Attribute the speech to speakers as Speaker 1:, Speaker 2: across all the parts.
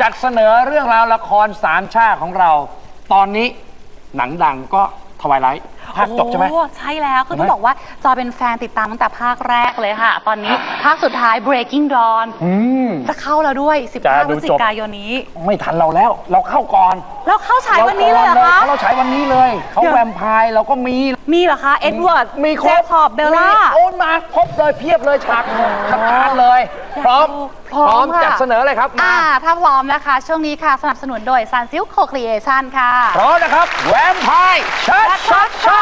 Speaker 1: จัดเสนอเรื่องราวละครสามชาติของเราตอนนี้หนังดังก็ทวายไลท์ภาคจบใช่ไหม
Speaker 2: ใช่แล้วคือต้องบอกว่าจอยเป็นแฟนติดตามตั้งแต่ภาคแรกเลยค่ะตอนนี้ภาคสุดท้าย Breaking Dawn จะเข้าแล้วด้วย15 พฤศจิกายนนี้
Speaker 1: ไม่ทันเราแล้วเราเข้าก่อน
Speaker 2: แล้วเข้าฉายวันนี้เลยเหรอคะ
Speaker 1: เราฉายวันนี้เลยเขาแวมไพร์เราก็มี
Speaker 2: เหรอคะเอ็ดเวิร์ด
Speaker 1: มี
Speaker 2: แจ็คขอบเบลล่า
Speaker 1: โอนมาครบเลยเพียบเลยฉากสำคัญเลยพร้อมจัดเสนอเลยครับ
Speaker 2: ถ้าพร้อมนะคะช่วงนี้ค่ะสนับสนุนโดย Sunsilk Co-Creation ค่ะ
Speaker 1: พร้อมนะครับแวมไพร์ชัด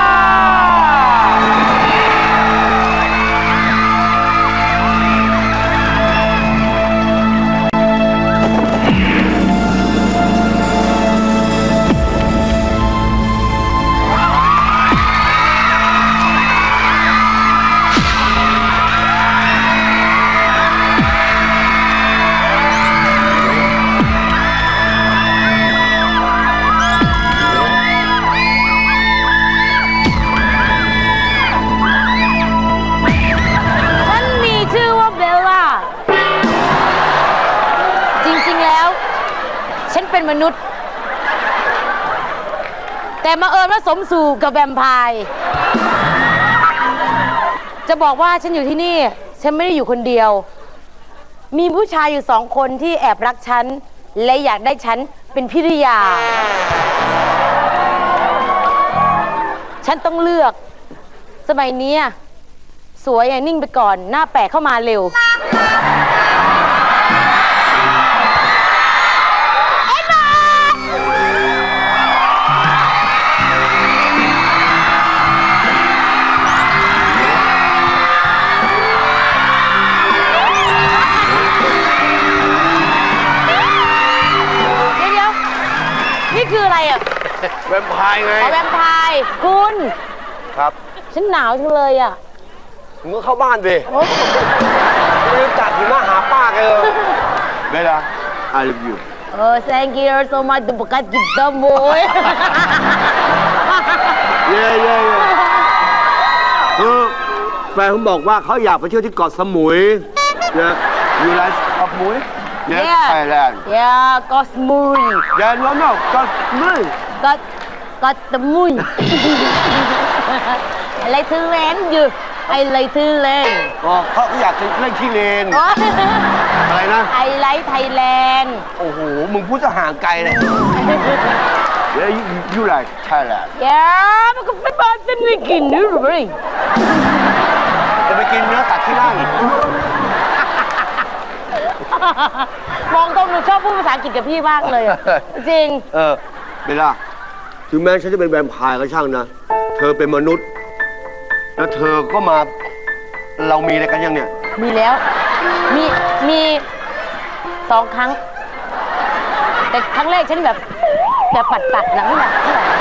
Speaker 3: เป็นมนุษย์แต่มาเอิญว่าสมสู่กับแวมไพร์จะบอกว่าฉันอยู่ที่นี่ฉันไม่ได้อยู่คนเดียวมีผู้ชายอยู่2 คนที่แอบรักฉันและอยากได้ฉันเป็นภริยาฉันต้องเลือกสมัยนี้สวยอย่านิ่งไปก่อนหน้าแปลกเข้ามาเร็วคืออะไรอ่ะ
Speaker 1: แวมไพร์ไง
Speaker 3: แวมไพร์คุณ
Speaker 1: ครับ
Speaker 3: ฉันหนาวจังเลยอ่ะ
Speaker 1: มึงก็เข้าบ้านดิมึงจัดหิมะหาป้าแกเลยเบลล่า I love you
Speaker 3: thank you so much บุกัดกิตามวย
Speaker 1: เย่คือแฟนผมบอกว่าเขาอยากไปเที่ยวที่เกาะสมุยเนี่ยอยู่ไรเกาะสมุยYes, Thailand.
Speaker 3: Yeah, got smuy.
Speaker 1: Yeah, no, got smuy.
Speaker 3: Got the moon. I like to land you. I like to land.
Speaker 1: เขาอยากจะเล่นที่เลนอะไรนะ
Speaker 3: I like Thailand.
Speaker 1: โอ้โหมึงพูดจะห่างไกลเลย Yeah, you like Thailand.
Speaker 3: Yeah, มันก็ไม่บ้าจะไม่กินหรือเปล่า
Speaker 1: จะไปกินเนื้อสัตว์ที่นั่น
Speaker 3: มองตรงหนูชอบพูดภาษาอังกฤษกับพี่มากเลยจริง
Speaker 1: เบลล่าถึงแม้ฉันจะเป็นแวมไพร์ก็ช่างนะเธอเป็นมนุษย์แล้วเธอก็มาเรามีอะไรกันยังเนี่ย
Speaker 3: มีแล้วมี2 ครั้งแต่ครั้งแรกฉันแบบปัดหลังแบบ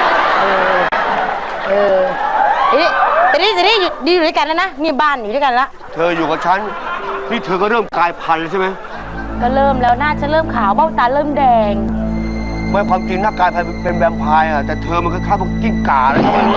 Speaker 3: แต่นี่อยู่ด้วยกันแล้วนะมีบ้านอยู่ด้วยกันแล้ว
Speaker 1: เธออยู่กับฉันนี่เธอก็เริ่มกลายพันธุ์แล้วใช่ไหม
Speaker 3: ก็เริ่มแล้วหน้าฉันเริ่มขาวเบ้าตาเริ่มแดง
Speaker 1: ไม่ความจริงหน้ากายเป็นแวมไพร์แต่เธอมันคล้ายๆพวกกิ้งก่าแล้วใช่ไหม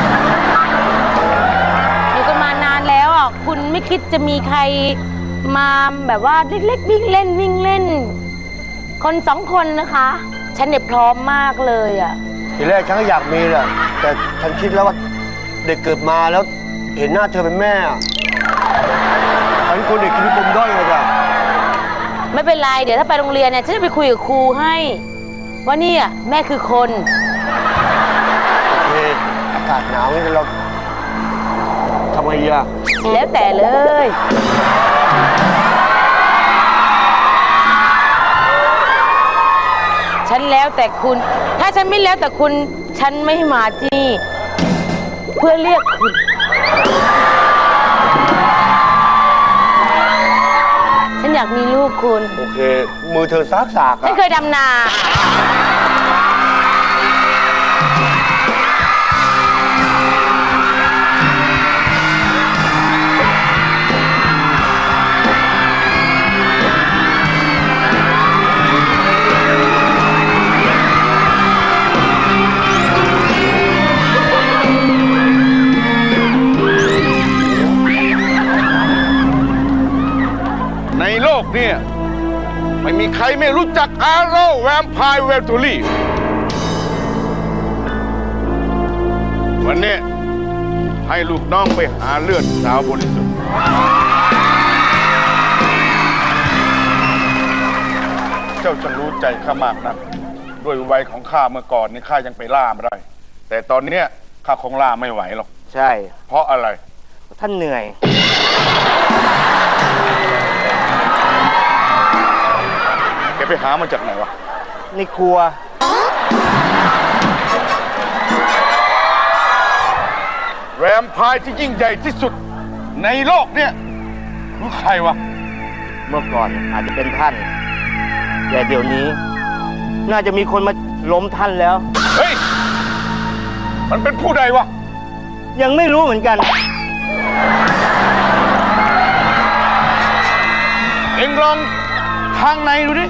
Speaker 3: อยู่กันมานานแล้วคุณไม่คิดจะมีใครมาแบบว่าเล็กๆวิ่งเล่นคน2 คนนะคะฉันเนี่ยพร้อมมากเลย
Speaker 1: ทีแรกฉันก็อยากมีแหละแต่ฉันคิดแล้วว่าเด็กเกิดมาแล้วเห็นหน้าเธอเป็นแม่ฉันคนเด็กกินปมด้อยเลยจ้ะ
Speaker 3: ไม่เป็นไรเดี๋ยวถ้าไปโรงเรียนเนี่ยฉันจะไปคุยกับครูให้ว่านี่แม่คือคน
Speaker 1: โอเคอากาศหนาวนี่เราทำไงดีล่ะ
Speaker 3: แล้วแต่เลยฉันแล้วแต่คุณถ้าฉันไม่แล้วแต่คุณฉันไม่มาที่นี่เพื่อเรียกคุณฉันอยากมีลูกคุณ
Speaker 1: โอเคมือเธอซาก
Speaker 3: ฉันเคยดำนา
Speaker 4: เนี่ยไม่มีใครไม่รู้จักอาโร่แวมไพร์เวลตูรี่วันนี้ให้ลูกน้องไปหาเลือดสาวบริสุทธิ์เจ้าจะรู้ใจข้ามากนะด้วยวัยของข้าเมื่อก่อนนี่ข้ายังไปล่าไม่ได้แต่ตอนนี้ข้าคงล่าไม่ไหวหรอก
Speaker 1: ใช่
Speaker 4: เพราะอะไร
Speaker 1: ท่านเหนื่อย
Speaker 4: แกไปหามาจากไหนวะ
Speaker 1: ในครัว
Speaker 4: แวมไพร์ที่ยิ่งใหญ่ที่สุดในโลกเนี่ยคือใครวะ
Speaker 1: เมื่อก่อนอาจจะเป็นท่านแต่เดี๋ยวนี้น่าจะมีคนมาล้มท่านแล้ว
Speaker 4: เฮ้ยมันเป็นผู้ใดวะ
Speaker 1: ยังไม่รู้เหมือนกัน
Speaker 4: เอ็งลองทางในดูดิ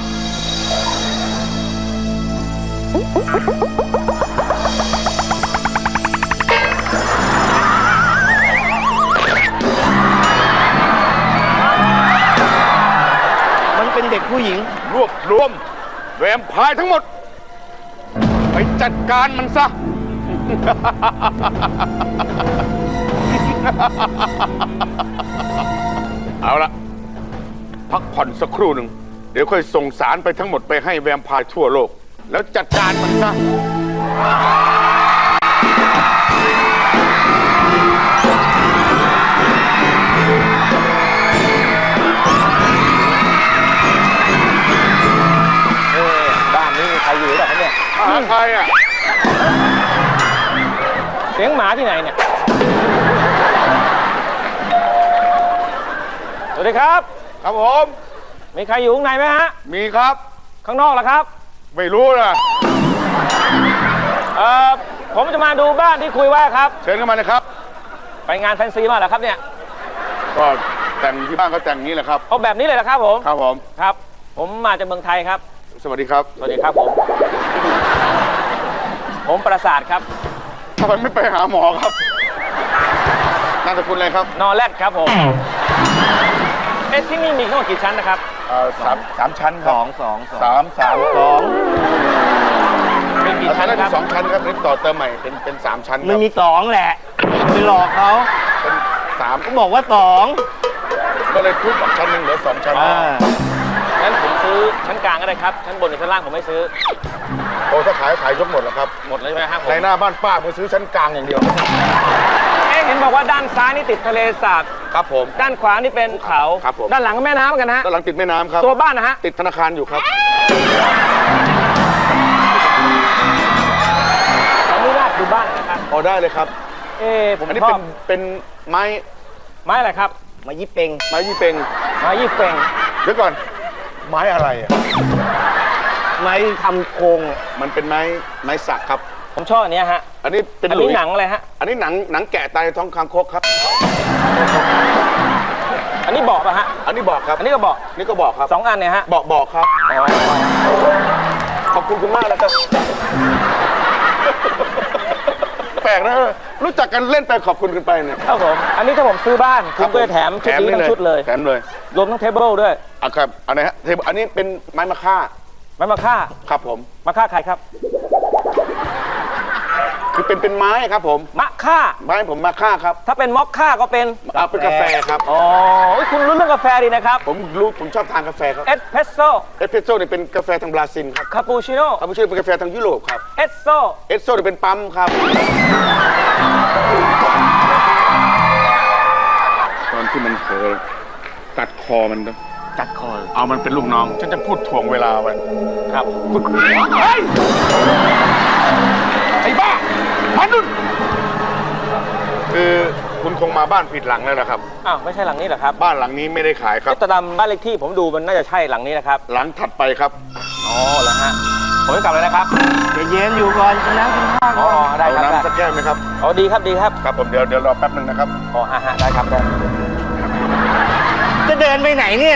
Speaker 1: มันเป็นเด็กผู้หญิง
Speaker 4: รวบรวมแวมไพร์ทั้งหมดไปจัดการมันซะเอาละพักผ่อนสักครู่หนึ่งเดี๋ยวค่อยส่งสารไปทั้งหมดไปให้แวมไพร์ทั่วโลกแล้วจัดการมันซะ
Speaker 5: บ้านนี้มีใครอยู่หรือเปล่าครับเนี่ย
Speaker 4: ใครอ่ะ
Speaker 5: เสียงหมาที่ไหนเนี่ยสวัสดีครับ
Speaker 4: ครับผม
Speaker 5: มีใครอยู่ข้างในไหมฮะ
Speaker 4: มีครับ
Speaker 5: ข้างนอกล่ะครับ
Speaker 4: ไม่รู้นะ
Speaker 5: ผมจะมาดูบ้านที่คุยไว้ครับ
Speaker 4: เชิญเข้ามาเลยครับ
Speaker 5: ไปงานแฟนซีมาเหรอครับเนี่ย
Speaker 4: ก็แต่งที่บ้านก็แต่งนี้แหละครับ
Speaker 5: เอาแบบนี้เลยเหรอครับผม
Speaker 4: ครับผม
Speaker 5: ครับผมมาจากเมืองไทยครับ
Speaker 4: สวัสดีครับ
Speaker 5: สวัสดีครับผมประสาทครับ
Speaker 4: ทำไมไม่ไปหาหมอครับนามสกุลอะไรครับ
Speaker 5: นอแรดครับผมที่นี่มีทั้งหมดกี่ชั้นนะครับ
Speaker 4: สามชั้นครับสาม
Speaker 5: มีกี่ชั้นครับ
Speaker 4: 2 ชั้นครับนี่ต่อเติมใหม่เป็น3 ชั้น
Speaker 1: มันมี2แหละไปหลอกเขา
Speaker 4: เป็น3
Speaker 1: ก็บอกว่า2
Speaker 4: ก็เลยทุบออกชั้นหนึ่งเหลือ2 ชั้น
Speaker 5: งั้นผมซื้อชั้นกลางก็ได้ครับชั้นบนหรือชั้นล่างผมไม่ซื้อ
Speaker 4: โอ้ถ้าขายยกหมดแล้วครับ
Speaker 5: หมดเลยใช่ไหมครับ
Speaker 4: ในหน้าบ้านป้าผมซื้อชั้นกลางอย่างเดียว
Speaker 5: เห็นบอกว่าด้านซ้ายนี่ติดทะเลสาบ
Speaker 4: ครับผม
Speaker 5: ด้านขวานี่เป็นเขา
Speaker 4: ครับผม
Speaker 5: ด้านหลังก็แม่น้ำกันฮะ
Speaker 4: ด้านหลังติดแม่น้ำครับ
Speaker 5: ตัวบ้านนะฮะ
Speaker 4: ติดธนาคารอยู่ครับ
Speaker 5: ขออนุญาตดูบ้านนะครับ
Speaker 4: พอได้เลยครับ
Speaker 5: ผม
Speaker 4: อันนี้เป็นไม้
Speaker 5: อะไรครับ
Speaker 1: ไม้ยี่เป่ง
Speaker 4: ไม้ยี่เป่งเดี๋ยวก่อนไม้อะไรอ่ะ
Speaker 1: ไม้ทำโครง
Speaker 4: มันเป็นไม้สักครับ
Speaker 5: ผมชอบอันนี้ฮะ
Speaker 4: อันนี้เป็น
Speaker 5: หนังอะไรฮะ
Speaker 4: อันนี้หนังแกะตายท้องคางคกครับ
Speaker 5: อันนี้บอกป่ะฮะ
Speaker 4: อันนี้บอกครับ
Speaker 5: อันนี้ก็บอก
Speaker 4: นี่ก็บอกครับ
Speaker 5: 2 อันเนี่ยฮะ
Speaker 4: บอกครับขอบคุณคุณมากนะครับแปลกนะรู้จักกันเล่นไปขอบคุณกันไปเนี่ย
Speaker 5: ครับผมอันนี้ถ้าผมซื้อบ้านคุณก็จะแถมชุดนี้ทั้งชุดเลย
Speaker 4: แถมเลย
Speaker 5: รวมทั้งเทเบิลด้วย
Speaker 4: ครับอันไหนฮะเทเบิลอันนี้เป็นไม้มะค่าครับผม
Speaker 5: มะค่าใครครับ
Speaker 4: คือเป็นไม้ครับผม
Speaker 5: มะค่า
Speaker 4: ไม้ผมมะค่าครับ
Speaker 5: ถ้าเป็นมอคค่าก็เป็น
Speaker 4: กาแฟครับ
Speaker 5: อ๋อคุณรู้เรื่องกาแฟดีนะครับ
Speaker 4: ผมชอบทานกาแฟครับ
Speaker 5: เอสเพรสโซ่
Speaker 4: เนี่ยเป็นกาแฟทางบราซิลครับ
Speaker 5: คาปูชิโน่
Speaker 4: เป็นกาแฟทางยุโรปครับ
Speaker 5: เอสโซ่
Speaker 4: เนี่ยเป็นปั๊มครับตอนที่มันเผลอกัดคอมัน
Speaker 1: กัดคอ
Speaker 4: เอามันเป็นลูกน้องฉันจะพูดถ่วงเวลาไว้
Speaker 5: ครับ
Speaker 4: ไอ้บ้าพันนุ่นคือคุณคงมาบ้านผิดหลังแล้วนะครับ
Speaker 5: อ้าวไม่ใช่หลังนี้เหรอครับ
Speaker 4: บ้านหลังนี้ไม่ได้ขายครับ
Speaker 5: แต่ตามบ้านเลขที่ผมดูมันน่าจะใช่หลังนี้นะครับ
Speaker 4: หลังถัดไปครับ
Speaker 5: อ๋อแล้วฮะผมจะกลับเลยนะครับ
Speaker 1: เย็นอยู่ก่อนกินน้ำกินข้าว
Speaker 5: อ๋อได้ครับ
Speaker 4: น้ำสักแก้วไหมครับ
Speaker 5: อ๋อดีครับ
Speaker 4: ครับผมเดี๋ยวรอแป๊บนึงนะครับ
Speaker 5: อ๋อฮะได้ครับ
Speaker 1: จะเดินไปไหนเนี่ย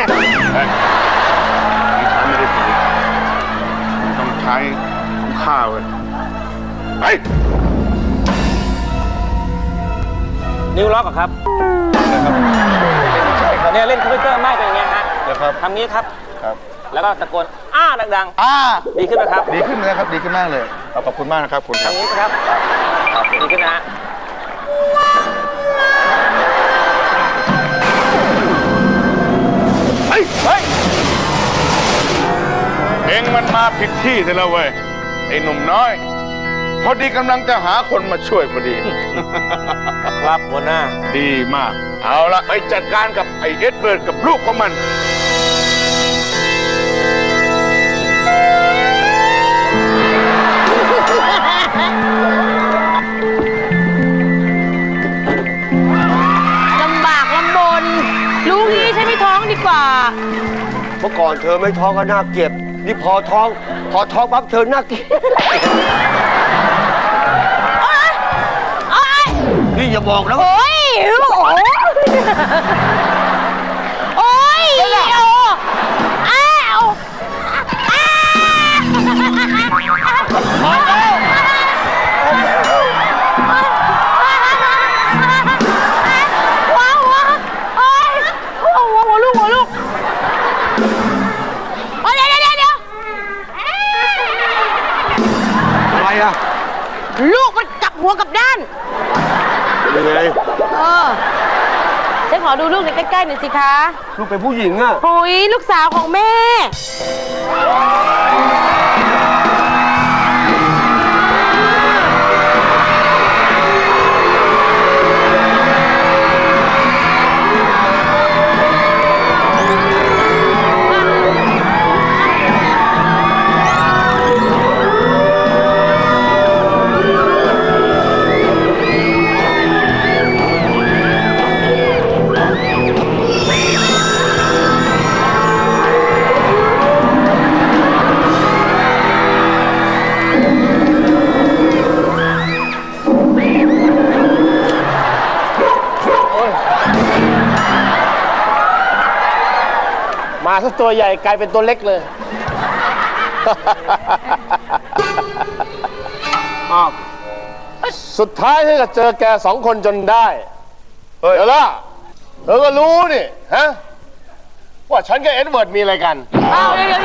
Speaker 4: นี่ใช้ไม่ได้ผลต้องใช้ของข้าวเลยไป
Speaker 5: นิ้วล็อกครับเนี่ยเล่นคอมพิวเตอร์ไม่เป็นอย่างเงี้ยฮะ
Speaker 4: นะครับ
Speaker 5: ทำนี้ครับแล้วก็ตะโกนดัง ๆ ดีขึ้นไหมครับ
Speaker 4: ดีขึ้นเลยครับ ดีขึ้นมากเลยขอบคุณมากนะครับคุณค
Speaker 5: ทา
Speaker 4: รับ
Speaker 5: งนี้นะครับดีขึ้นนะฮะ
Speaker 4: เฮ้ยเองมันมาผิดที่ซะแล้วเว้ยไอ้หนุ่มน้อย พอดีกำลังจะหาคนมาช่วยพอดี
Speaker 5: ครับหัวหน้า
Speaker 4: ดีมาก เอาละไปจัดการกับไอ้เอ็ดเบิร์ดกับลูกของมัน
Speaker 3: ลำบากลำบนรู้งี้ฉันไม่ท้องดีกว่า
Speaker 1: เมื่อก่อนเธอไม่ท้องก็น่าเกลียดนี่พอท้องปั๊บเธอน่าเกลียดนี่อย่าบอกนะ
Speaker 3: โอ้ยโอ้ยอ้าวหัวลูกเดี๋ยว
Speaker 1: อะไรอะ
Speaker 3: ลูกมันกลับหัวกลับด้าน
Speaker 1: ยังไง
Speaker 3: ฉันขอดูลูกในใกล้ๆหน่อยสิคะ
Speaker 1: ลูกเป็นผู้หญิงอะ
Speaker 3: หุยลูกสาวของแม่
Speaker 6: มาซะตัวใหญ่กลายเป็นตัวเล็กเลย สุดท้ายที่จะเจอแกสองคนจนได้ เดี๋ยวล่ะเธอก็รู้นี่ฮะว่าฉันกับเอ็ดเวิร์ดมีอะไรกัน
Speaker 3: เดี๋ยว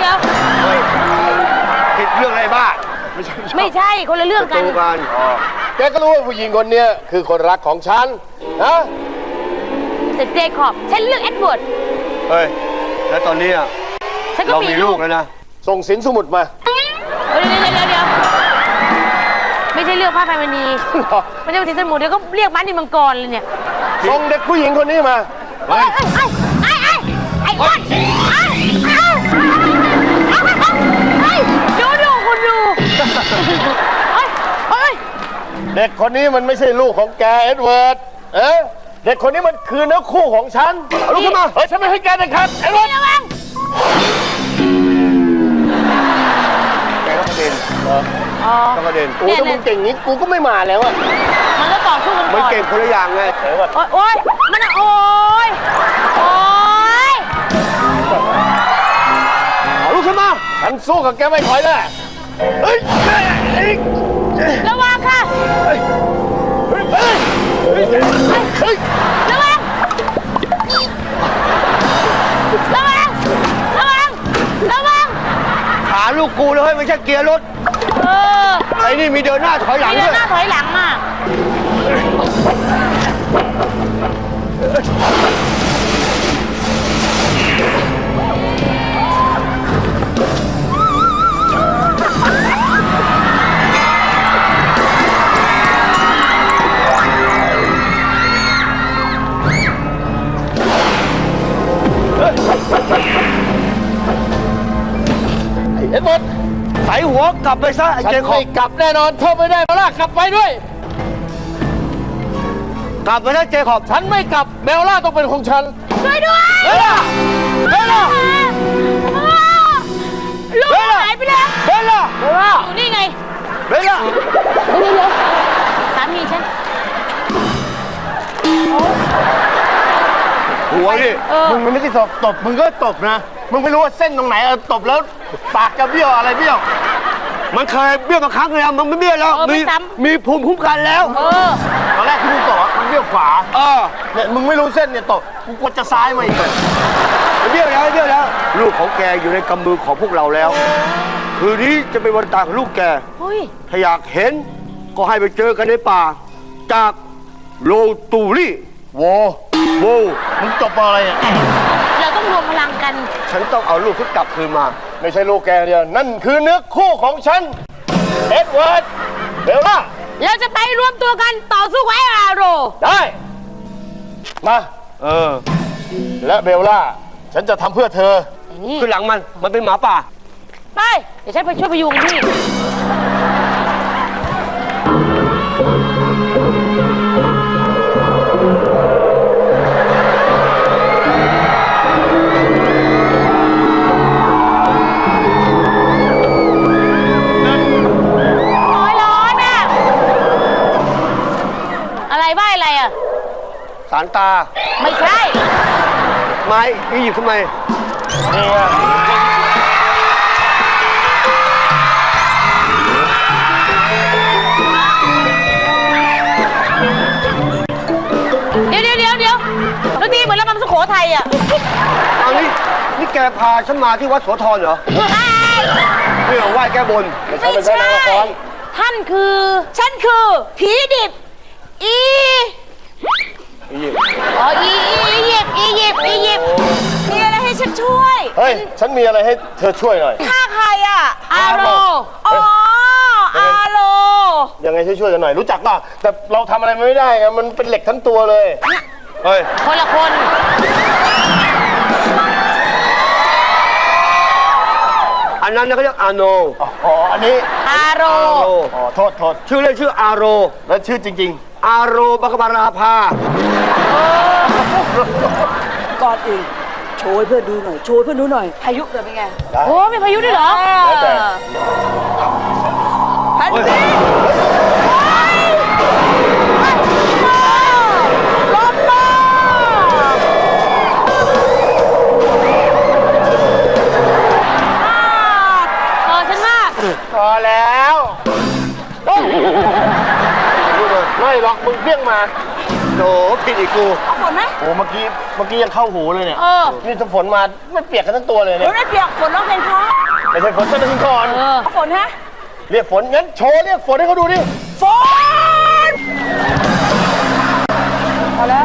Speaker 1: ผิดเรื่องอะไรบ้า
Speaker 3: ไม่ใช่คนละเรื่องกัน
Speaker 1: ตูกัน
Speaker 6: แกก็รู้ว่าผู้หญิงคนเนี้ยคือคนรักของฉันนะ
Speaker 3: แต่เจคอบฉันเลือกเอ็ดเวิร์ด
Speaker 1: เฮ้ยแล้วตอนนี้อะ
Speaker 3: ฉันก็
Speaker 1: เรา
Speaker 3: มี
Speaker 1: มี
Speaker 3: ลู
Speaker 1: ลู
Speaker 3: ก
Speaker 1: กแล้วนะ
Speaker 6: ส่งสินสมุดมา
Speaker 3: เดี๋ยวไม่ใช่เลือกผ้าไพมณีมันจะเป็นสีสมุทรเดี๋ยวก็เรียกบ้านดินมังกรเลยเนี่ย
Speaker 6: ส่งเด็กผู้หญิงคนนี้มา
Speaker 3: ไอ้อ้วนดูคุณดู
Speaker 6: เด็กคนนี้มันไม่ใช่ลูกของแกเอ็ดเวิร์ดเด็กคนนี้มันคือเนื้อคู่ของฉันเอาลูกขึ้นมาฉันไม่ให้แกเด็ดขาดเอ็ดเวิร์ด
Speaker 3: ระวัง
Speaker 1: แกก็ประเด็นก็ประเด็น
Speaker 6: โอ้ถ้ามึงเก่งงี้กูก็ไม่มาแล้วอะ
Speaker 3: มันก็ต่อสู้กัน
Speaker 1: มัน
Speaker 3: ก่อน
Speaker 1: เก่งคนละอย่างไง
Speaker 3: โอ๊ยมันโอ๊ย
Speaker 1: เอาลูกขึ้นมา
Speaker 6: ฉันสู้กับแกไม่ถอยแน่เฮ้ย
Speaker 3: ระวังค่ะระวัง
Speaker 1: ขาลูกกูเลยเฮ้ยไม่ใช่เกียร์รถไอ้นี่มีเดินหน้าถอยหลัง
Speaker 3: เดิ
Speaker 1: ด้วน ย
Speaker 3: หน้าถอยหลังอ่ะ
Speaker 6: เอ็ดเวิร์ด
Speaker 1: ใส่หัวกลับไปซะไอ้
Speaker 6: ฉัน
Speaker 1: เจคอ
Speaker 6: ไม่
Speaker 1: บ
Speaker 6: กลับแน่นอนเธอไม่ได้แล้วล่ะกลับไปด้วย
Speaker 1: กลับไปนะเจคอบ
Speaker 6: ฉันไม่กลับเบลล่าต้องเป็นของฉัน
Speaker 3: ช่วยด้วย
Speaker 6: เบลล่า
Speaker 3: ลูกหายไปแล้ว
Speaker 1: เบลล่า
Speaker 3: อยู่นี่ไง
Speaker 1: เบลล่า
Speaker 3: สามีฉัน
Speaker 1: หัวดิ
Speaker 6: มึงมันไม่ได้ตบมึงก็ตบนะมึงไม่รู้ว่าเส้นตรงไหนตบแล้วปากจะเบี้ยวอะไรเบี้ยว
Speaker 1: มันเคยเบี้ยวมาครั้งแล้วมันไม่เบี้ยวแล้ว
Speaker 3: ไม่ซ้ำ
Speaker 1: มีภูมิคุ้มกันแล้ว
Speaker 6: ตอนแรกที่มึงตบมันเบี้ยวขวาเนี่ยมึงไม่รู้เส้นเนี่ยตกกูกดจะซ้ายมาอีกเลย
Speaker 1: เบี้ยวแล้วลูกของแกอยู่ในกำมือของพวกเราแล้ว คืนนี้จะเป็นวันตายของลูกแก
Speaker 3: เฮ้ย
Speaker 1: ถ้าอยากเห็นก็ให้ไปเจอกันในป่า จากโลตูรี่
Speaker 6: โว
Speaker 1: โว
Speaker 6: มึงจบมาอะไรอ่ะ
Speaker 3: เราต้องรวมพลังกัน
Speaker 1: ฉันต้องเอาลูกที่กลับคืนมา
Speaker 6: ไม่ใช่ลูกแกเดียว นั่นคือเนื้อคู่ของฉัน เอ็ดเวิร์ด เบลล่า
Speaker 3: เราจะไปรวมตัวกันต่อสู้กับไอ้อาโร
Speaker 6: ได้ มา และเบลล่า ฉันจะทำเพื่อเธอ
Speaker 1: ขึ้นหลังมันเป็นหมาป่า
Speaker 3: ไป เดี๋ยวฉันไปช่วยพยุงพี่ ร้อนอ่ะ อะไรบ้าอะไรอ่ะ
Speaker 1: สารตา
Speaker 3: ไม่ใช่
Speaker 1: ไม้อียิปต์ทำไม
Speaker 3: เดี๋ยวดนตรีเหมือนระบำสุโขทัยอ่ะ
Speaker 1: เอานี่แกพาฉันมาที่วัดโสธรเหรอเพื่อไหว้แก้บน
Speaker 3: ไม่ใช่ ท่านคือ ฉันคือ ผีดิบ อีอ๋ออียิปต์มีอะไรให้ฉันช่วย
Speaker 6: เฮ้ย ฉันมีอะไรให้เธอช่วยหน่อย
Speaker 3: ฆ่าใครอ่ะ อาโร อ๋อ อาโร
Speaker 6: ยังไงช่วยๆกันหน่อย รู้จักป่ะ แต่เราทำอะไรไม่ได้ไงมันเป็นเหล็กทั้งตัวเลย
Speaker 1: เฮ้ย
Speaker 3: คนละคน
Speaker 1: อันนั้นเขาเรียกอาโน
Speaker 6: อ๋อ อันนี้
Speaker 3: อาโร
Speaker 6: อ๋อ โทษ
Speaker 1: ชื่อเล่นชื่ออาโร
Speaker 6: แล้วชื่อจริง
Speaker 1: อาโรบักบาราภา
Speaker 7: ก่อนอื่นโชว์ให้เพื่อนดูหน่อย โชว์ให้เพื่อนดูหน่อย พายุเกิดเป็นไง
Speaker 6: ๆได้
Speaker 3: โอ้มีพายุด้วยเหรอ
Speaker 6: แล้วแต่
Speaker 7: พันปีลมมา
Speaker 3: ฉันว่า
Speaker 6: พอแล้วไม่หรอกมึงเพี้ยงมา
Speaker 1: โถผิดอีกกู
Speaker 7: เอาฝนไหม
Speaker 6: โอ้เมื่อกี้ยังเข้าหูเลยเนี่ย
Speaker 3: เออ
Speaker 6: นี่ถ้าฝนมาไม่เปียกกันทั้งตัวเลย
Speaker 7: เดี๋
Speaker 6: เนี่ย
Speaker 7: ยวได้เปียกฝนร้องเพลงเพราะ
Speaker 6: ไม่ใช่ฝนจะถึงก่อน
Speaker 7: เอาฝนฮะ
Speaker 6: เรียกฝนงั้นโชว์เรียกฝนให้เขาดูดิ
Speaker 7: ฝนพอแล้ว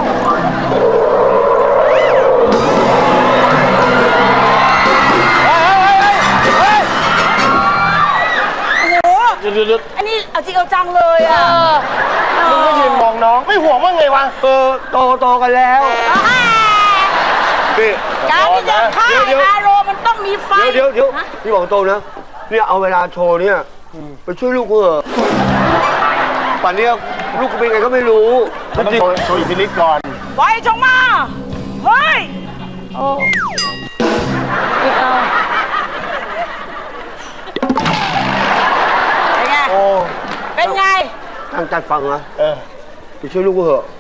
Speaker 7: โอ้โห
Speaker 6: เดี๋ยว
Speaker 7: อันนี้เอาจริงเอาจังเลยอ่ะ
Speaker 6: มึงก็ยืนมองน้องไม่ห่วงว่าไงวะ
Speaker 1: โตกันแล้วนี่
Speaker 7: การที่จะฆ่า
Speaker 1: เดี๋ยว
Speaker 7: อาโรมันต้องมีไฟ
Speaker 1: เดี๋ยวพี่บอกตรงนะเนี่ยเอาเวลาโชว์เนี่ยไปช่วยลูกกูเถอะป่านเนี้ยลูกกูเป็นไงก็ไม่รู้
Speaker 6: มันต้องโชว์อิทธิฤทธิ์ก่อน
Speaker 7: ไฟจงมา เฮ้ย เป็นไง
Speaker 6: โอ้
Speaker 7: เป็นไง
Speaker 1: ตั้งใจฟังนะ
Speaker 6: เออ
Speaker 1: ไปช่วยลูกกูเถอะ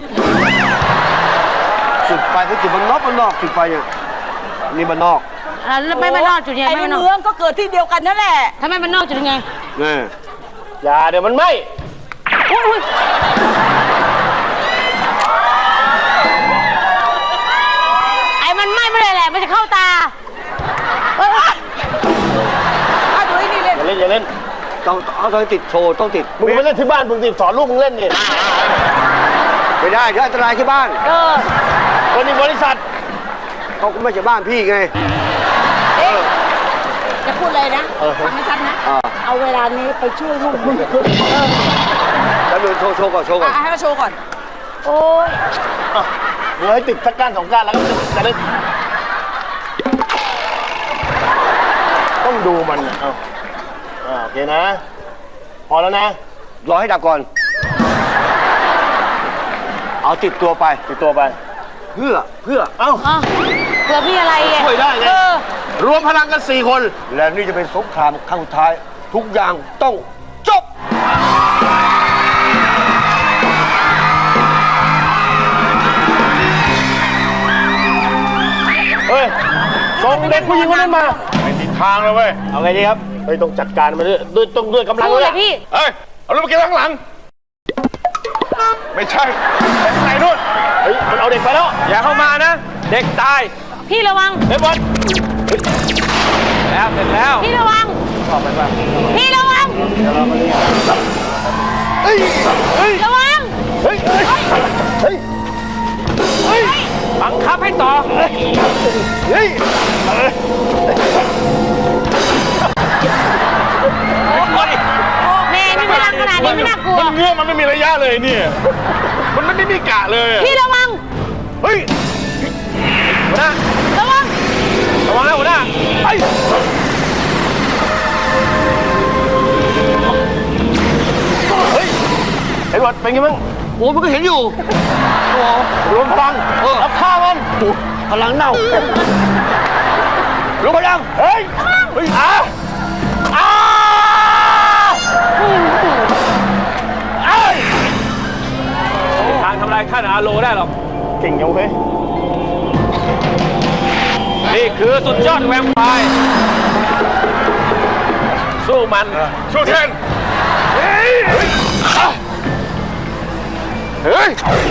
Speaker 1: จุดไฟเขาจุดมันนอกจุดไฟเนี่ยนี่มันนอก
Speaker 3: แล้วไม่นอกจุดยัง
Speaker 7: ไอ้
Speaker 3: ไง
Speaker 7: ใน
Speaker 3: ไม่นอก
Speaker 7: เมืองก็เกิดที่เดียวกันนั่นแหละ
Speaker 3: ทำไมมันนอกจุดยังไง
Speaker 1: นี่
Speaker 6: อย่าเดี๋ยวมันไหม้
Speaker 3: ไอ้มันไหม้ไม่ได้แหละมันจะเข้าตา
Speaker 7: ดูไอ้นี่เล่น
Speaker 6: อย่าเล่น
Speaker 1: ต้องติดโชว์ต้องติด
Speaker 6: มึงไปเล่นที่บ้านมึงสิสอนลูกมึงเล่นนี่
Speaker 1: ไม่ได้เดี๋ยวอันตรายที่บ้าน
Speaker 6: คนนี้บริษัท
Speaker 1: เขาก็ไม่ใช่บ้านพี่ไง
Speaker 7: จะพูดเลยนะฟังให้ชัดนะ เอาเวลานี้ไปช่วยลูกมึง
Speaker 1: แล้วดูโชว์ก่อน
Speaker 7: ให้เขาโชว์ก่อน
Speaker 3: โอ้ย
Speaker 6: มึงให้ติดสักก้านสองก้านแล้วก็จะได้ต้องดูมันนะเอาโอเคนะ พอแล้วนะ
Speaker 1: รอให้ดับก่อน เอาติดตัวไป
Speaker 6: ติดตัวไป
Speaker 1: เพื่อ
Speaker 6: เอ้า
Speaker 3: เผื่อพี่อะไรอ่ะ
Speaker 6: ช่วยได้ไงรวมพลังกัน4 คน
Speaker 1: และนี่จะเป็นสงครามครั้งสุดท้าย ทุกอย่างต้องจบ
Speaker 6: เฮ้ยส่งเด็กผู้หญิงคนนั้นมาไม่ติดทางเลยเว้ย เอาไงดีครับ เฮ้ยต้องจัดการมันด้วยกำลัง
Speaker 3: สู้
Speaker 6: เล
Speaker 3: เลย ยพี่
Speaker 4: เฮ้ย เอาลูกไปเก็บข้างหลังไม่ใช่ไปข้างในนู่น
Speaker 6: เฮ้ยมันเอาเด็กไปแล้ว
Speaker 5: อย่าเข้ามานะ เด็กตาย
Speaker 3: พี่ระวัง
Speaker 6: เอ็ดเวิร์ด
Speaker 5: แล้วเสร็จแล้ว
Speaker 3: พี่ระวัง พี่ระวัง
Speaker 6: เฮ้ยเฮ้ย
Speaker 3: ระวัง
Speaker 6: เฮ้ยเฮ้ยเฮ้ยเฮ้ย
Speaker 5: บังคับให้ต่อ
Speaker 6: เฮ้ย
Speaker 3: แม่นี่พลังขนาดนี้ไม่น่ากลัว
Speaker 4: มันเงื้อมันไม่มีระยะเลยเนี่ย มันไม่มีกะเลยอะ
Speaker 3: พี่ระวัง
Speaker 4: เฮ้ย
Speaker 5: หัวหน้า
Speaker 3: ระวัง
Speaker 5: ระวังนะหัวหน้า
Speaker 4: ไอ้
Speaker 6: เฮ้ยเอ็ดเวิร์ดเป็นไงบ้าง
Speaker 1: โอ้มันก็เห็นอยู่โอ้
Speaker 6: รวมพลังเอาฆ่ามัน
Speaker 1: พลังเน่าลงพลัง
Speaker 6: เฮ้ยเฮ้ยอ้า
Speaker 5: ทางทำลายท่านอาโลได้หรอก
Speaker 6: เก่งยังเว้ย
Speaker 5: นี่คือสุดยอดแวมไพร์สู้มัน
Speaker 4: สู้แทนเฮ้ยเฮ้ยเฮ้ย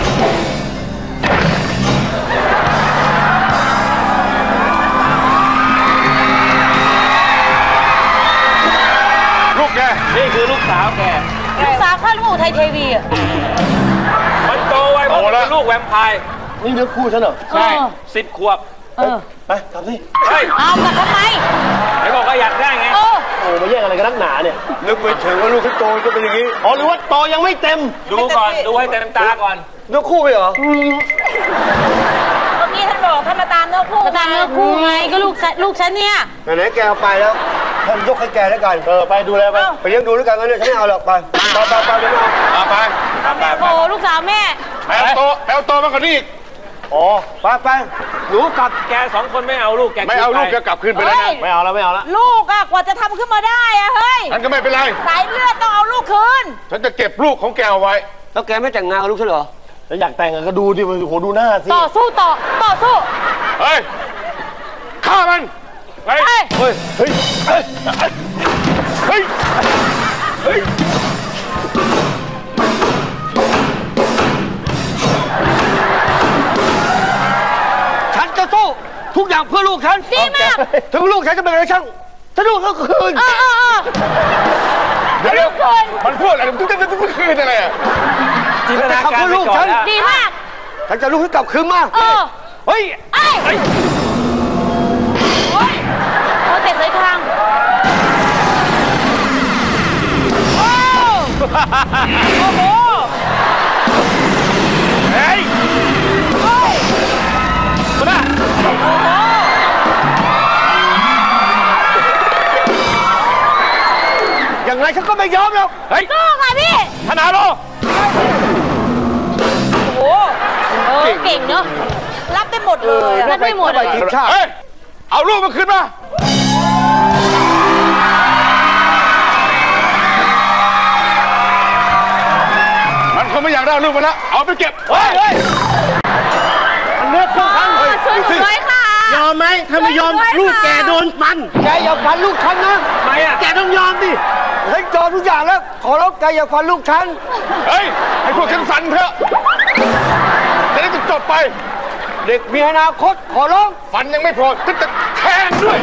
Speaker 4: ลูกแก
Speaker 5: นี่คือลูกสาวแก
Speaker 3: ลูกสาวข้าลูกไทยเทวีอ่ะ
Speaker 5: มันโตไวเพราะมันเป็นลูกแวมไพร์
Speaker 6: นี่เนื้อคู่ฉันเหรอ
Speaker 5: ใช่10 ขวบ
Speaker 6: ไปทำสิ
Speaker 5: เฮ้ย
Speaker 3: เอากลับทำไม
Speaker 5: ไหนบอกว่าอยากได้ไง
Speaker 3: เออ
Speaker 6: โอ้มาแย่งอะไรกันนักหนาเนี่ย
Speaker 1: นึกไปถึงว่าลูกที่โตจะเป็นอย่างนี้
Speaker 6: อ๋อหรือว่าโตยังไม่เต็ม
Speaker 5: ดูก่อน ดูให้เต็มตาก่อน
Speaker 1: เนื้อคู่ไปเหรอ
Speaker 3: เมื่อกี้ท่านบอกท่านมาตามเนื้อคู่มาตามเนื้อคู่ไงก็ลูกฉันเนี่ย
Speaker 1: ไหนๆแกเอาไปแล้วท่านยกให้แกแล้วกัน
Speaker 6: ไปดูแลไป
Speaker 1: ไปเลี้ยงดูแล้วกันงั้นเนี่ยฉันไม่เอาหรอกไปเดี๋ยวเอา
Speaker 4: ไป
Speaker 3: โอ้ลูกสาวแม่
Speaker 4: แปลโตมากกว่านี้อีก
Speaker 1: อ๋อไปหนูกลับ
Speaker 5: แก2 คนไม่เอาลูกแก
Speaker 4: ไม่เอาลูกแกกลับคืนไปแล้วนะ
Speaker 6: ไม่เอาแล้วไม่เอาแล้ว
Speaker 3: ลูกอะกว่าจะทำขึ้นมาได้อะเฮ้ย
Speaker 4: ฉันก็ไม่เป็นไร
Speaker 3: สายเลือดต้องเอาลูกคืน
Speaker 4: ฉันจะเก็บลูกของแกเอาไว้
Speaker 1: แล้วแกไม่แต่งงานกับลูกฉันเหรอ
Speaker 6: แล้วอยากแต่งก็ดูดิมันโหดูหน้าสิ
Speaker 3: ต่อสู้
Speaker 4: เฮ้ย ฆ่ามันไป
Speaker 3: เฮ้ย
Speaker 6: เฮ้ย เฮ้ย เฮ้ย เฮ้ย เฮ้ย
Speaker 1: ฉันจะสู้ทุกอย่างเพื่อลูกฉัน
Speaker 3: ดีมาก
Speaker 1: ถึงลูกฉันจะเป็นอะไรช่างฉันลูกเขาคืน
Speaker 4: เดี๋ยวมันพูดอะไรทุกคืนอะไรอ่ะ
Speaker 5: จินตนาการไปก่อนแล้ว
Speaker 3: ดีมาก
Speaker 1: ฉันจะลูกให้กลับคืนมา เฮ้ย
Speaker 3: โอ้เตะสายทางโอ้โห
Speaker 5: เฮ้ยมา
Speaker 1: อย่างไรฉันก็ไม่ยอมหรอก
Speaker 5: เฮ้ย
Speaker 3: สู้ค่ะพี่
Speaker 5: ธนาโล
Speaker 3: โอ้เก่งเนอะรับได้หมดเลยรับได้หมด
Speaker 1: ไปทีมชาติ
Speaker 4: เฮ้ย เอาลูกมาคืนมา มันคงไม่อยากได้ลูกมาแล้ว เอาไปเก็บ เฮ้ย
Speaker 6: มันเนื้อคู่กัน
Speaker 3: ช่วยหนูด้วยค่ะ
Speaker 6: ยอมไหมถ้าไม่ยอมลูกแกโดนฟัน
Speaker 1: แกอย่าฟันลูกฉันนะ
Speaker 5: ทำไมอ่ะ
Speaker 6: แกต้องยอมดิ
Speaker 1: ฉันยอมทุกอย่างแล้ว ขอร้องแกอย่าฟันลูกฉัน
Speaker 4: เฮ้ย ให้พวกฉันฟันเถอะจะได้จบไป
Speaker 1: เด็กมีอนาคตขอร้อง
Speaker 4: ฟันยังไม่พอจะแทงด้วย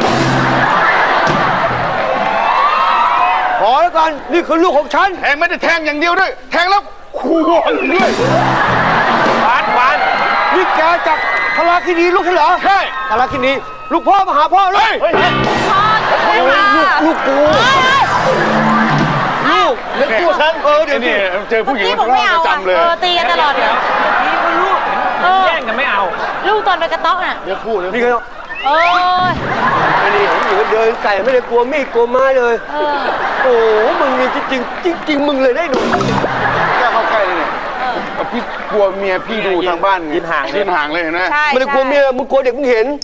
Speaker 1: ขอแล้วกันนี่คือลูกของฉัน
Speaker 4: แทงไม่ได้แทงอย่างเดียวด้วย แทงแล้วควงด้วย
Speaker 5: หวาน
Speaker 1: นี่แกจับพลาคินีลูกฉันเหรอ
Speaker 4: ใช่
Speaker 1: พลาคินีลูกพ่อมาหาพ่อเล
Speaker 4: เฮ้
Speaker 1: ย
Speaker 4: ย
Speaker 6: เฮ้ย
Speaker 3: พ่อช่วยค่ะ
Speaker 1: ลูกกู
Speaker 6: ลูกเนื้อคู่ฉัน
Speaker 1: เดี๋ยว
Speaker 4: นี่
Speaker 1: นี้
Speaker 4: เจอผู้หญิง
Speaker 3: พี่
Speaker 4: มั
Speaker 3: ผ
Speaker 4: น
Speaker 3: ม
Speaker 4: ร้อ
Speaker 3: ไม่
Speaker 4: ง
Speaker 3: เอา
Speaker 4: ประจำเลย
Speaker 3: ตีกันตลอดเลย
Speaker 5: นี่ก็ลูกเห็นแย่งกันไม่เอา
Speaker 3: ลูกตอนไปกระต๊อกน่ะ
Speaker 6: เนื้อคู่เนื้อ
Speaker 1: นี่
Speaker 6: คู่
Speaker 1: ก็
Speaker 3: โอ้ย
Speaker 1: ไอ้นี่ผมอยู่เดินไก่ไม่ได้กลัวมีดกลัวไม้เลย โอ้โหมึงนี่จริงมึงเลยได้หนู
Speaker 4: กล้าเข้าใกล้เลยเนี่ยพี่กลัวเมียพี่ดูทางบ้านไง
Speaker 5: ยืนห่างเลย
Speaker 4: ยืนห่างเลยเห็นไหม
Speaker 3: ใช่
Speaker 1: ไม่ได้กลัวเมียมึงกลัวเด็กมึงเห็น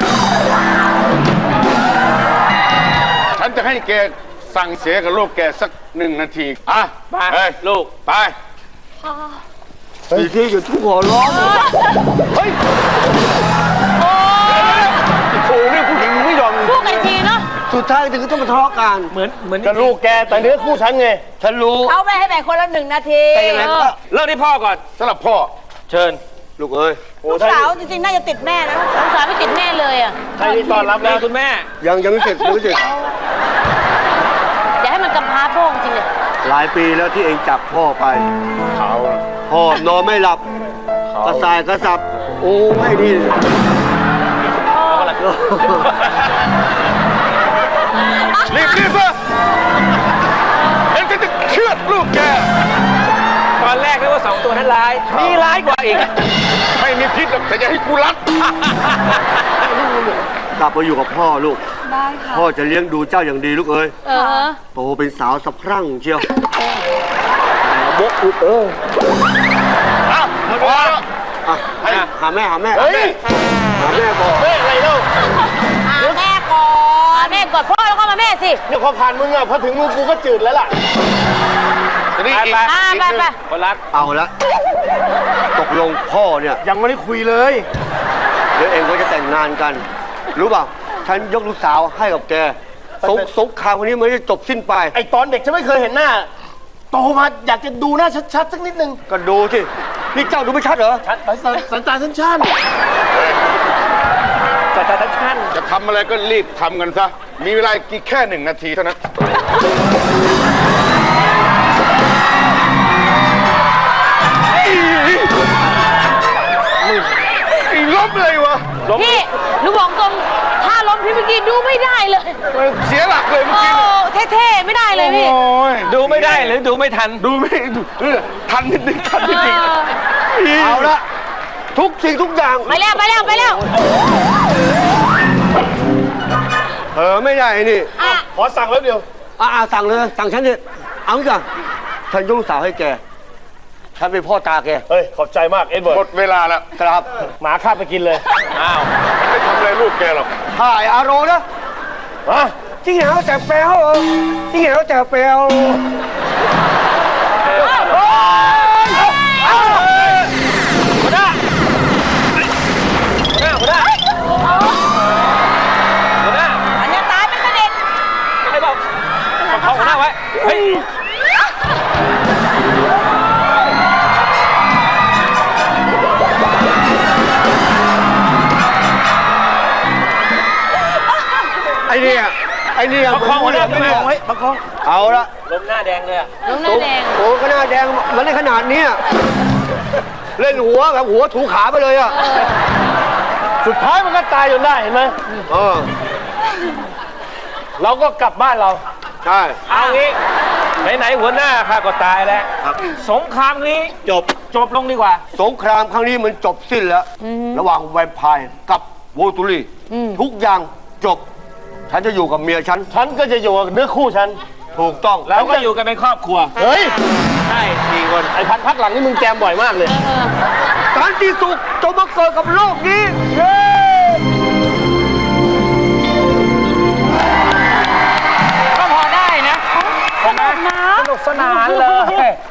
Speaker 4: ฉันจะให้แกสั่งเสียกับลูกแกสัก1 นาที อ่ะ
Speaker 5: ไป
Speaker 4: เฮ้ย
Speaker 5: ลูก
Speaker 4: ไป
Speaker 1: อีกทีอยู่ทุกหัวร้องเฮ้ย
Speaker 3: โอ้ย
Speaker 1: โอ้เรื่องผู้หญิงมึงไม่ยอม
Speaker 3: สู้กันทีเนาะ
Speaker 1: สุสุดท้ายถึงต้องมาทะเลาะกัน
Speaker 5: เหมือน
Speaker 6: ก็ลูกแกแต่เนื้อคู่ฉันไง
Speaker 1: ฉันรู้
Speaker 3: เขาไปให้แบ่งคนละ1 นาที
Speaker 1: แต่ยังไงก็
Speaker 5: เริ่มที่พ่อก่อน
Speaker 4: สำหรับพ่อ
Speaker 5: เชิญ
Speaker 1: ลูกเอ้ย
Speaker 3: ลูกสาวจริงๆน่าจะติดแม่นะลูกสาวไม่ติดแม่เลยอ่ะ
Speaker 6: ใครที่ต้อนรับ
Speaker 5: นี่
Speaker 6: นะ
Speaker 5: คุณแม่
Speaker 1: ยังไม่เสร็จยังไม่เสร็จ
Speaker 3: อย่าให้มันกำพร้าโป้งจริงเลย
Speaker 1: หลายปีแล้วที่เองจับพ่อไป
Speaker 4: เขา
Speaker 1: พ่อนอนไม่หลับกระสายกระสับ โอ้ไม่ดี
Speaker 4: รีบซะเอ็งจะเชือดลูกแก
Speaker 5: ตอนแรกนึกว่า2 ตัวนั้นร้ายนี่ร้ายกว่าอีก
Speaker 4: ไม่มีพิษหรอกแต่อย่าให้กูรัด
Speaker 1: กลับมาอยู่กับพ่อลูก
Speaker 2: ได้ค่ะ
Speaker 1: พ่อจะเลี้ยงดูเจ้าอย่างดีลูกเอ้ย โตเป็นสาวสะพรั่งเชียวบกลูก
Speaker 4: อ้าวพอแล้ว
Speaker 1: อ่ะหาแม่
Speaker 6: เฮ้ย
Speaker 1: หาแม่ก่อน
Speaker 6: แม่อะไรเล่า
Speaker 3: แม่ก่อนแม่กอดพ่อแล้วก็มาแม่สิ
Speaker 6: เนี่ยพอผ่านมึงอะพอถึงมึงกูก็จืดแล้วล่ะ
Speaker 4: ทีนี้อีก
Speaker 5: ไป
Speaker 3: ไป
Speaker 5: คนรัก
Speaker 1: เอาละตกลงพ่อเนี่ย
Speaker 6: ยังไม่ได้คุยเลย
Speaker 1: เดี๋ยวเองก็จะแต่งงานกัน รู้ป่ะฉันยกลูกสาวให้กับแกสงครามวันนี้มันจะจบสิ้นไป
Speaker 6: ไอตอนเด็กฉันไม่เคยเห็นหน้า โตมาอยากจะดูหน้าชัดๆสักนิดนึง
Speaker 1: ก็ดูสินี่เจ้าดูไม่ชัดเหรอ
Speaker 6: ชัดสันตาชัน
Speaker 5: จัดการทั้งชั้น
Speaker 4: จะทำอะไรก็รีบทำกันซะ มีเวลากี่แค่1 นาทีเท่านั้นอีล้มเลยวะ
Speaker 3: พี่หนูบอกตรงถ้าล้มพี่เมื่อกี้ดูไม่ได้เลย
Speaker 4: เสียหลักเลยเมื่อ
Speaker 3: โอ้
Speaker 4: กี้
Speaker 3: เท่ๆไม่ได้เลยพี่
Speaker 4: โอ้ย
Speaker 5: ดูไม่ได้หรือดูไม่ทัน
Speaker 4: ดูไม่ทันนิดนึงทันนิดนึง
Speaker 1: เอาละทุกสิ่งทุกอย่าง
Speaker 3: ไปแล้ว
Speaker 1: ไม่ได้นี่
Speaker 3: อ่ะ
Speaker 6: ๆขอสั่งแล้วเดียว
Speaker 1: สั่งเลยสั่งฉันเนี่ยเอางี้ก่อนฉันยกลูกสาวให้แกฉันเป็นพ่อตาแก
Speaker 6: เฮ้ย ขอบใจมากเอ็ดเวิร์
Speaker 4: หม
Speaker 6: ด
Speaker 4: ดเวลาแล้ว
Speaker 1: ครับ
Speaker 6: หมาข้าบไปกินเลย
Speaker 5: อ้าว
Speaker 4: ไม่ทำอะไรลูกแกหรอก
Speaker 1: ถ่ายอารมณ์นะ
Speaker 6: ฮะ
Speaker 1: จริงเหรอแต่แปลวจริงเหรอแต่แปลว
Speaker 5: หัวหน้า
Speaker 3: อันนี้ตายเป็นประเด็น
Speaker 5: ไม่บอกประคองหัวหน้าไว้ เฮ้ย
Speaker 1: ไอ้นี่
Speaker 5: ประคองหัวหน้าไปเลยไว้ประคอง
Speaker 1: เอาละ
Speaker 5: ลมหน้าแดงเลยอะ
Speaker 3: น้องหน้าแดง
Speaker 1: โอ้ก็หน้าแดงมันได้ขนาดนี้เล่นหัวแบบหัวถูขาไปเลยอ่ะ
Speaker 6: สุดท้ายมันก็ตายจนได้เห็นไหม
Speaker 1: เออ
Speaker 6: เราก็กลับบ้านเรา
Speaker 1: ใช่
Speaker 5: เอางี้ไหนๆหัวหน้าข้าก็ตายแล้ว
Speaker 1: ครับ
Speaker 5: สงครามนี้จบลงดีกว่า
Speaker 1: สงครามครั้งนี้มันจบสิ้นแล้ว ระหว่างแวมไพร์กับโวตูรีทุกอย่างจบ ฉันจะอยู่กับเมียฉัน
Speaker 6: ฉันก็จะอยู่กับเนื้อคู่ฉัน
Speaker 1: ถูกต้อง
Speaker 5: แล้วก็อยู่กันเป็นครอบครัว
Speaker 6: เฮ้ย
Speaker 5: ใช่4 คน
Speaker 6: ไอ้พักหลังนี่มึงแจมบ่อยมากเลย
Speaker 1: สันติสุขจงมาเกิดกับโลกนี้เย้
Speaker 5: ก็พอได้นะสนุกสนานเลย